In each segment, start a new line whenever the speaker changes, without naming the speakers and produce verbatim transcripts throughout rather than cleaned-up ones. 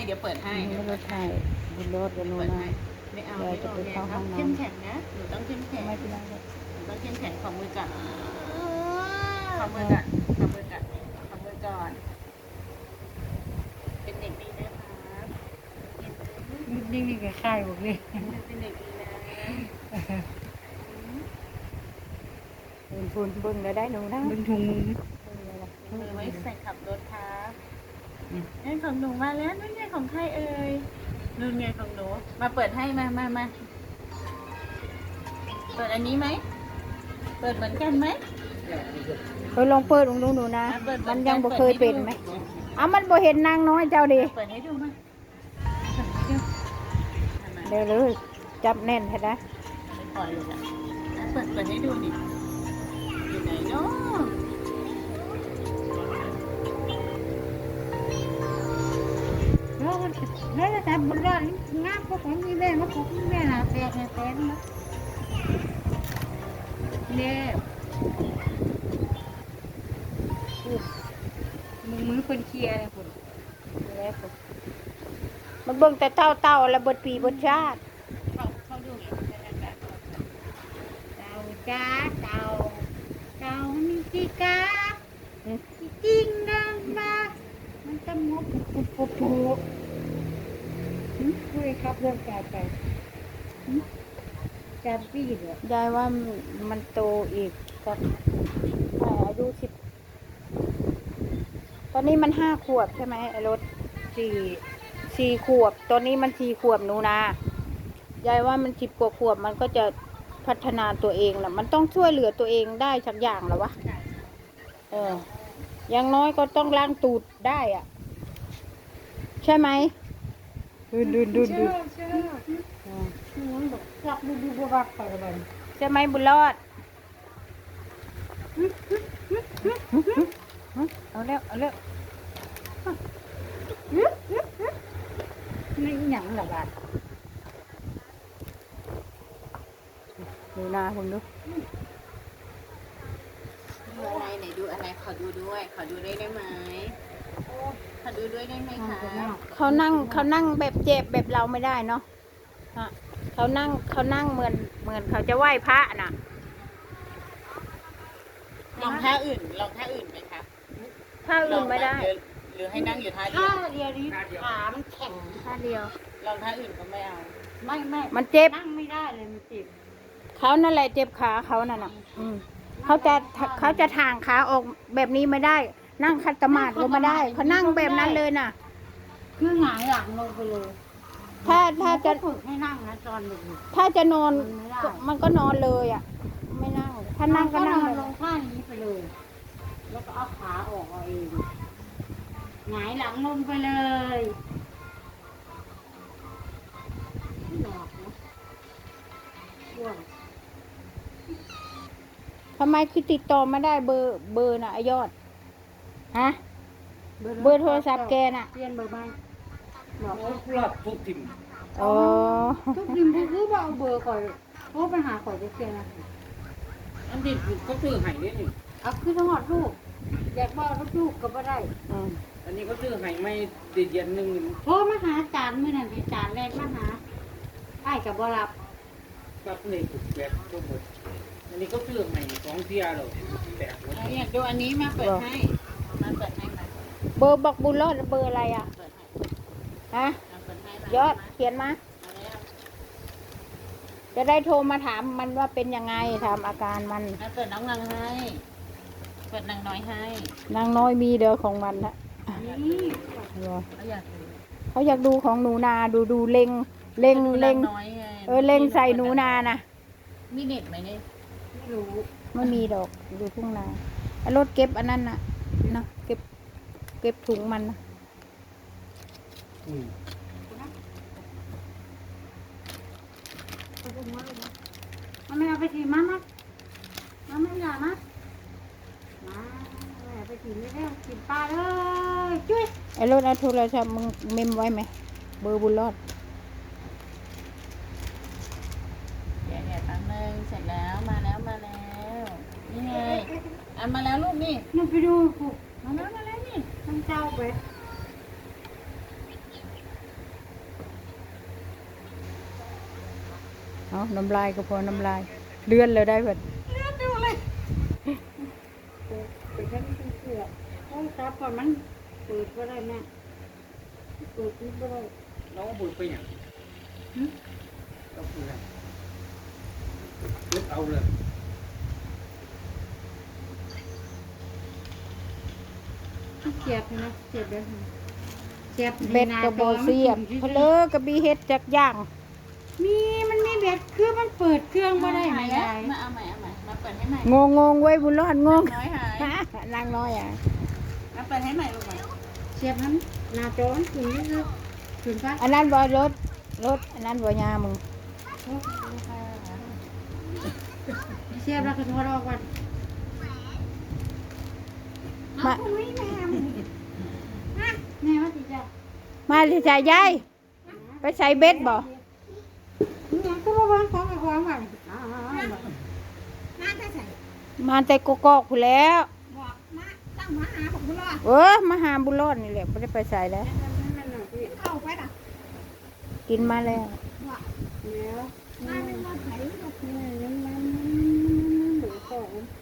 เดี๋ยวเปิดให้เดี๋ยว
ร
เปิ
ถ
ด
ไท
ให้
ยบุญรถกันนู้
เปิ
น
ด
นะ
ให้ไม่เอา
เดี๋ยว
ไม่
จะ
เอา
ไป
ไง
เข้า
ค
ห้
รั
อบ งน้
เข้มแข็งนะหนูต้องเข้มแข็ง
ำไม่เป็นไรเลย
หนูต้องเข้มแข็งของมือก่อนขอมือก่อนขอมือก่อนขอมือก่อนเป็นเด็กดีนะครับ
นิ่งๆกับค่ายบอกเลย
เป็นเด็กดีนะ
เป็นทุนเบิ่งแล้วได้หนูนะ
เป็นถุงมือ
มือไว้ใส่ขับรถครับนี่ของหนูมาแล้วนู่นไงของใครเอ่ยนู่นไงของหนูมาเปิดให้มามามาเปิดอันนี้ไหมเปิดเหมือนกันไหม
เคยลองเปิดลองดูหนูนะ
อ่ะเปิด
มันยังบ่
เปิด
เคยเป็น
ให้ดู
ไหมอ้าวมันบ่เห็นนางน้อยเจ้าดิ
เปิดให้ดูมาเปิดให้ดูมา
เดี๋ยวเลยจับแน่นให้ได้
ไม่ปล่อยเลยอ่ะอ่ะเปิดเปิดให้ดูดิอยู่ไหนเนาะ
แล้วมันแล้วแต่บุญรอดงามพวกของมีแม่มาพวกมีแม่หาแตกแตกนะเนี่ยมือมือคนเคลียร์เลยคุณ
แล้วก็มันเบิ่งแต่เต้าเต้าๆแล้วเบิดปีเบิดชาติ
เขาเขาดูไงแบบ
เต่าจ้าเต่าเต่ามันมีกีกา
อืม
จริงดังมามันจะงบปุ๊บปุ๊บปุ๊บคุยครับเรื่องการไปจำปีเหรอย
ายว่ามันโตอีกสักอายุสิบตอนนี้มันห้าขวบใช่ไหมไอ้รถสี่สี่ขวบ ตอนนี้มันสี่ขวบหนูนายายว่ามันสิบกว่าขวบมันก็จะพัฒนาตัวเองแหละมันต้องช่วยเหลือตัวเองได้สักอย่างแล้ววะเอออย่างน้อยก็ต้องล้างตูดได้อ่ะ ใช่ไหมดูดูดูดู
เชื่อมันบอกกลับดูดูบวักไปเลย
ใช่ไหมบุญรอดเอาเร็วเอาเร็ว
ไม่หยังหรอกอ่ะ
ดูหน้าคุณดู
ดูอะไรไหนดูอะไรขอดูด้วยขอดูได้ได้ไหมขอดูด้วยได้ไหมคะ
เขานั่งเขานั่งแบบเจ็บแบบเราไม่ได้เนาะฮะเขานั่งเขานั่งเหมือนเหมือนเขาจะไหว้พระน่ะ
ลองท่าอื่นลองท่าอื่นไหมคะ
ถ้าอื่นไม่ได้
หรือหรือให้นั่งอยู่ท่าเดีย
ถ้าว เดียวนี้ขามันแข็ง
ท่าเดียว
ลองท่าอื่นก็ไม่เอา
ไม่ไม่
มันเจ็บ
นั่งไม่ได้เลยมันเจ็บ
เขานั่นแหละเจ็บขาเขานั่นน่ะอืมเขาจะเขาจะทางขาออกแบบนี้ไม่ได้ นั่งคัตมาดก็ไม่ได้เขานั่งแบบนั้นเลยน่ะ
คือหงายหลังลงไปเลย
ถ้าถ้าจะ
ฝึกให้นั่งนะตอนเด็ก
ถ้าจะนอน
มันไม่ได้
ก็มันก็นอนเลยอ่ะ ไม่นั่ง ถ้านั่งก็นั่ง
นอน
เล
ล
ย
งท่านี้ไปเลย แล้วก็เอาขาออกเอาเองหงายหลังลงไปเลยไม่หลอกนะอ้วน
ทำไมคือติดต่อไม่ได้เบอร์เบอร์น่ะไอยอดฮะเบอร์โทรศัพท์แกน่ะ
เปลี่ยนเบอร์ใหม่บอก
รอบทุกทิม
อ๋อ
ทุกทีมคือว่าเอาเบอร์ก่อนโทรไปหาก่อนจะเปลี่ยนนะ
อันนี้เขาซื้อให้เนี่ยนี่
เอาขึ้นทั้งหมดลูกอยากบอกลูกก็ไม่ได้
อืม
อันนี้เขาซื้อให้ไม่เดือนหนึ่ง
โทรมาหาจานมื่อนั้นไปจานแรกมาหาไอ้กับบ่รับ
กับนี่ถูกแบกทั้งหมดอันนี้เขาซื้อให้สองเที่ยหรอกแตกหมด
เราอยากดูอันนี้มาเปิดให้มาเปิดให้มา
เบอร์บอกบุญรอดเบอร์อะไรอ่ะ
เปิดให้
ฮะ
มาเปิดให้
ยอดเขียนมา
มาแล้ว
จะได้โทรมาถามมันว่าเป็นยังไงถามอาการมัน
มาเปิดน้องนางให้เปิดนางน้อยให้
นางน้อยมีเด้อของมันนะ
นี่
เขาอยากดู
เขาอยากดูของหนูนาดูดูเล็งเล็งเล็ง
น้อยไง
เออเล็งใส่หนูนานะ
มีเน็ตไหมเนี่ย
ไม่รู้
ไม่มีดอกอยู่ทุ่งนาไอ้รถเก็บอันนั้นน่ะนะเก็บเก็บถุงมันนะ
อืม
มันไม่เอาไปถีบมามามาไม่อยากนะมาไม่เอาไปถีบไม่ได้ถีบปลาเลยจุ้ย
ไอ้รถเอาโทรศัพท์มึงเมมไว้ไหมเบอร์บุญรอด
เดี๋ยวเดี๋ยวแป๊บนึงเสร็จแล้วมาแล้วมาแล้ว นี่ไงอ่ะมาแล้วลูกนี่
นี่ไปดูผูก
มาแล้วมาแล้วนี่
มันเจ้าไป
เอาน้ำลายก็พอน้ำลาย เลื่อนเลยได้เบิด
ไปแค่นี้เสือโอ้ยครับก่อนมันเปิดก็ได้แม่เปิดนี่ก็ได้
น้องบุญไปอย่างก็คืออะไรยึดเอาเลย
เสียบนะเสียบได้เสียบ
เบ็ดกระโบเสียบเพลอกระบีเฮ็ดจากย่าง
มีมันมีเบ็ดคือมันเปิดเครื่องก็ได้ไหม
แล้ว
ยาย
มาเอาใหม่เอาใหม่มาเปิดให้ใหม่
งงงงไว้บุญรอดงง
น้อยหาย
นางน้อยอ่ะ
มาเปิดให้ใหม่ลูกใหม่
เสียบนั้นหน้าจอมันขึ้นนี่คือขึ้นไป
อันนั้นบ่รถรถอันนั้นบ่ยามึง
เสียบแล้วก็ทอดออกก่อน
มา
แม่ว่าสิจ้ะ
มาสิจ่ายยายไปใส่เบ็ดบ่
เนี่ยก็มาวางของกับของไว้อ๋อ
มาแต่กกอกพู้นแล้ว
ตั้งมาหาผมรอด
เออมาหาบุญรอดนี่แหละไม่ได้ไปใส่แล้ว
เข้าไปนะ
กินมาแล้ว
แล้วมาเป็นรถไถรถเนี่ยมันมันหมูของ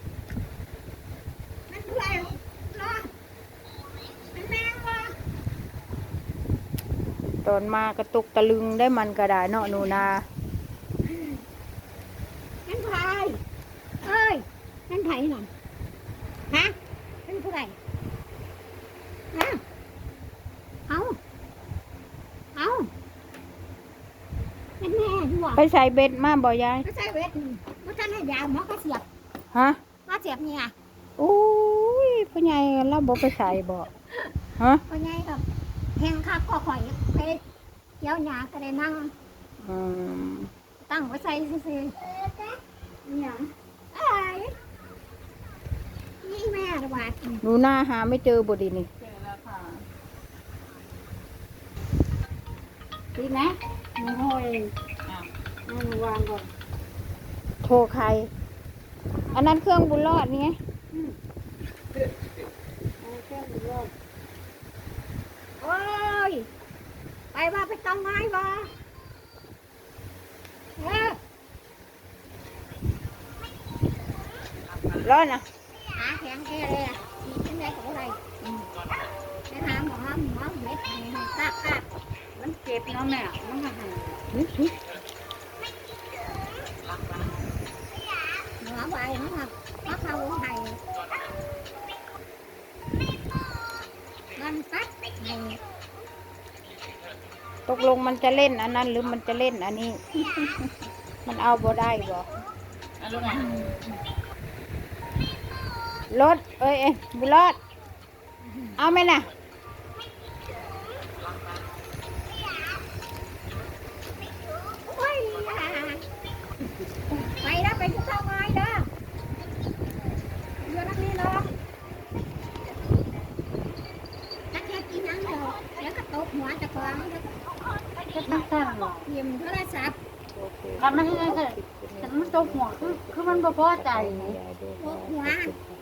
ตอนมากระตุกตะลึงได้มันก็ได้เนาะหนูนา
นั่นใครเอ้ยนั่นไถหน่อยฮะเป็นผู้ใดฮะเอาเอาเป็นแม่ที่ว่า
ไปใส่เบ็ดมาบ่ยาย
ไม่ใช่เวทไม่ใช่ให้ยาวหมอก็เสียบ
ฮะ
มาเสียบเนี่ย
อุ้ยพ่อใหญ่เราบ่ไปใส่บ่ฮะ
ก็ไงกับแหงคักก็ข่อยเพชรเกี่ยวหยาก็ได้นั่ง
อืม
ตั้งไว้ใส่ซื่อๆเนี่ยเอ้ยนี่แม่ระบาด
หนูนาหาไม่เจอบ่ดีนี่
เจอแล้วค่ะ
ดีไหมหนูโหย
อ้าว
เอามาวางก่อน
โทรใคร อันนั้นเครื่องบุญรอดนี่ไง
เอาแค่หนูรอบโอ้ยไปว่าไปต้องไม้บ่เออ
รอดนะ
หาแข็งแค่เลยอ่ะมีเป็นไรกับอะไรไปหาหมอหมอเม็ดให้ให้ตากตากมันเจ็บเนาะแม่มันมาให้หมอใบมันมามาเข้าให้มันตัดให้
ตกลงมันจะเล่นอันนั้น หรือมันจะเล่นอันนี้ มันเอาบ่ได้บ่
เอาลูกใหม่
รถเอ้ยเอ้ยบุญรอด เอาไหมน่ะ
โอ้ยไปแล้วไปที่เจ้าไม้เด้อเรือนักนี้เนาะถ้าแค่กินน้ำเดียวแล้วก็ตกหัวจะกองแล้ว
จะตั้งตั้งหรอ
เตรียมโทรศัพท์
ทำไม่ได้เลยแต่มันตกหัวคือคือมันบ่พอใจ
ตกหัว
ห